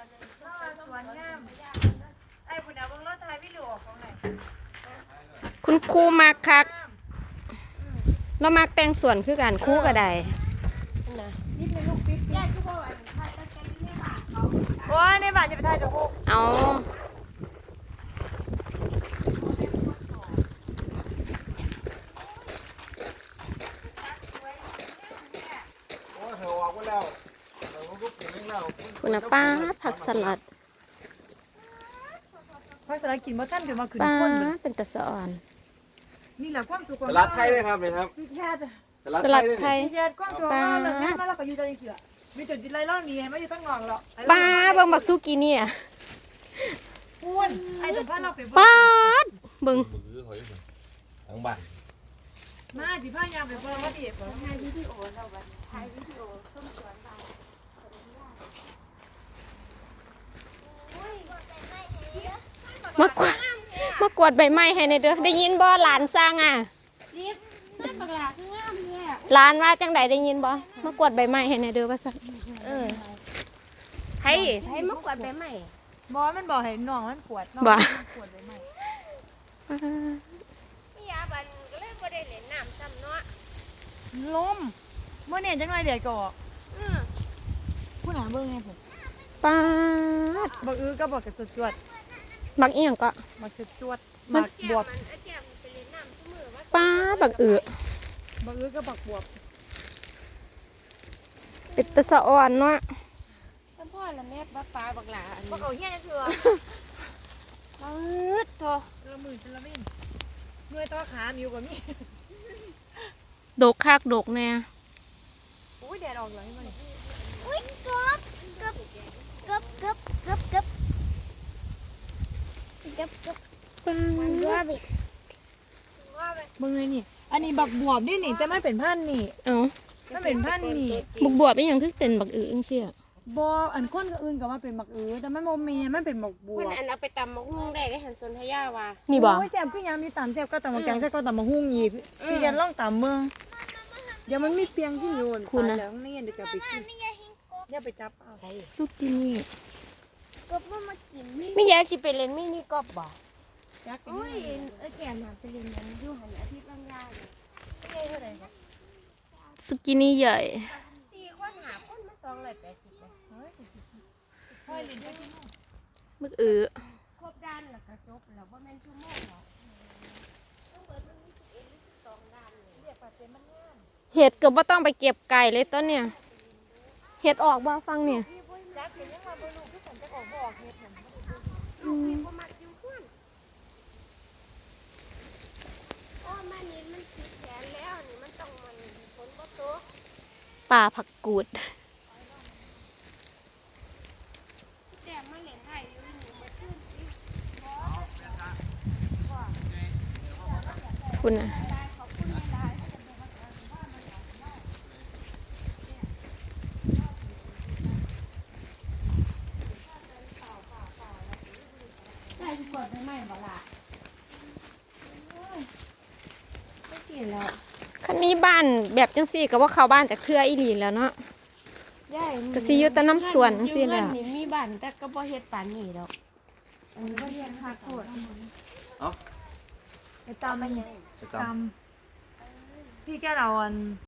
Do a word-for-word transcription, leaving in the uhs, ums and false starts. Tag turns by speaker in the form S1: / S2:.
S1: สวนงามไอ้บุญเอาเบิ่งรถไทยวิดีโอของไหน
S2: คุณครูมักคักเรามักแต่งส่วนคือกันครูก็ได้
S1: โอ้ยในบ้านจะไปถ่ายจมูก
S2: เอาคุณป้าผักสลัด
S1: ผักสลัดกินบ่ทันเดี๋ยวมาขึ้น
S2: ป้า
S1: คนเลย
S2: เป็นตะสอน
S1: นี่แหละความสุขของ
S3: สลัดไทยเลยครับเลยครับ
S1: พี่แค่
S2: สลัดไทย
S1: พี่แค่ความสุขของเราเลยมาเราก็อยู่ใจเสือมีจุดจิตไรเล่านี้ไม่อยู่ตั้งงอกหรอก
S2: ป้าเบิ่งบักซูกิเนี่ย
S1: อ้วนไอ้สัมภาษณ์เราไป
S2: ป้าดเบิ่ง
S3: ทั้งบ้าน
S1: มาสิพายามไปเบิ่งว่าดิถ่ายวิดีโอเราบัดถ่ายวิดีโอต้นสวนบ้าน
S2: มากวาดมากวาดใบไม้ให้ในเด้อได้ยินบ่หลานสร้างอ่ะ
S4: รีบนั่นปากหลาข้างล่างเนี่ย
S2: หลานว่าจังใดได้ยินบ่มากวาดใบไม้ให้ในเด้อว่าซั่น
S4: เออให้ให้มากวาดไปใหม่
S1: บอมันบอกให้น้องมันปวดน้อง
S2: บ่
S1: มันปวดเลยไหม
S4: พี่ยาบันก็เลยบ่ได้เล่นน้ำซ้ำเนาะ
S1: ลมเมื่อเนี่ยจังไรเดี๋ยวก็ออก
S4: อือ
S1: ผู้หนาเบิ่งไงผม
S2: ป้าด
S1: บักอื้อก็บอกกับสุดจวด
S2: บักอีหยังก็
S1: บักสุดจวดบัก
S4: แก้
S1: บว
S4: ม
S1: บ
S4: มันไอ้แก้มมันไปเล่นน้ำทุกมื้อว่า
S2: ป้าดบักอือ
S1: บักอื้อก็บักบวบ
S2: เป็นตะสะอ่อนเนาะ
S4: ท่านพ่อละแม่ป้าปลาบักหลาอัน
S1: บั
S4: นี้
S1: กเอาเฮี้ยนี่คือ
S4: ปื๊ดโต
S1: เจอมือจนละวิ่งเมื่อยต่อขามิวกว่ามี
S2: ดกคักดกแน่
S1: อุ้ยแดดออกเลยมัน
S4: อุ้ยกบกบกบกบกบกบกบกบ
S2: ป้า
S4: มัน
S2: ด
S4: ว่าบิ
S1: มึงไงนี่ อันนี้บักบวบนี่นี่แต่ไม่เป็นพันธุ์นี่
S2: เอ้า
S1: ไม่เป็นพันธุ์นี่
S2: บุกบวบอีหยังคือเป็นบักอือจังซี่อะ
S1: บออันคนก็อื่นก็ว่าเป็นบักอื้อแต่มันโมเมมันเป็นบักบว
S4: เพิ่น
S1: บ
S4: อันเอาไปตำมะฮุ่งได้ได้หันสนทยาว่า
S2: นี่บ่
S1: โอ้ยแซ่บคือยามมีตำแซ่บก็ตำมะแกงแซ่บก็ตำมะฮุ่งอีกพี่แกนล่องตำเมืองเดี๋ยวมันมีเปียงที่โยนคุณนะแล้วนี่เดี๋ยวจะไปกินอย่าไปจับเอา
S4: ใช่
S2: สุกินี่
S4: กบมันมากินมีมียาสิไปเล่นมินิกบบ่
S1: จักกิน
S4: โอ้ยเอ้ยแก้มน่ะไปเล่นนั้นอยู่หันอาทิตย์ละยาเลยเป็นไงเท่าไหร่ครับ
S2: สุกินี่ใหญ่
S4: สี่คนหาคนมาสองร้อยแปดสิบเลย
S1: ค่อยเล่นด้วยที่นู่น
S2: บักอือ
S4: ครบด้านแล้วก็จบแล้วบ่แม่นชั่วโมงหรอกต้องเบิดมันมีสิบเอ็ดหรือสิบสองด้านเลยเรียกว่าเป็นมันงาม
S2: เห็ดก็บ่ต้องไปเก็บไก่เลยต้นเนี่ยเห็ดออกบ่ฟังเนี่ย
S1: จักเป็นยังมาบ่รู้คือฉันจะออกบ่ออกเฮ็ดผม
S4: ลูกพี่บ่มักอยู่เพื่อนโอ้มานี่มันติดแขนแล้วนี่มันต้องมันฝนบ่ตก
S2: ป่าผักกูด
S4: แต่มันเล่นได้อยู่นี่มาขึ้นสิ
S2: คุณน่ะ
S4: ขอบคุณหลายๆได้สิกดได้ไหมบ่ล่ะไม่กินแล้ว
S2: คันมีบ้านแบบจังซี่ก็ว่าเข้าบ้านจากเครืออีหลีแล้วเนาะ
S4: ยาย
S2: ก็สิอยู่แต่น้ำสวนจังซี่แหละ
S4: อยู่เรือนนี่มีบ้านแต่ก็บ่เฮ็ดปานนี้ดอกอันนี้บ่เฮ็ดคักโพด
S1: ไปตำ
S4: ไปยัง
S1: ตำพี่แกเราอัน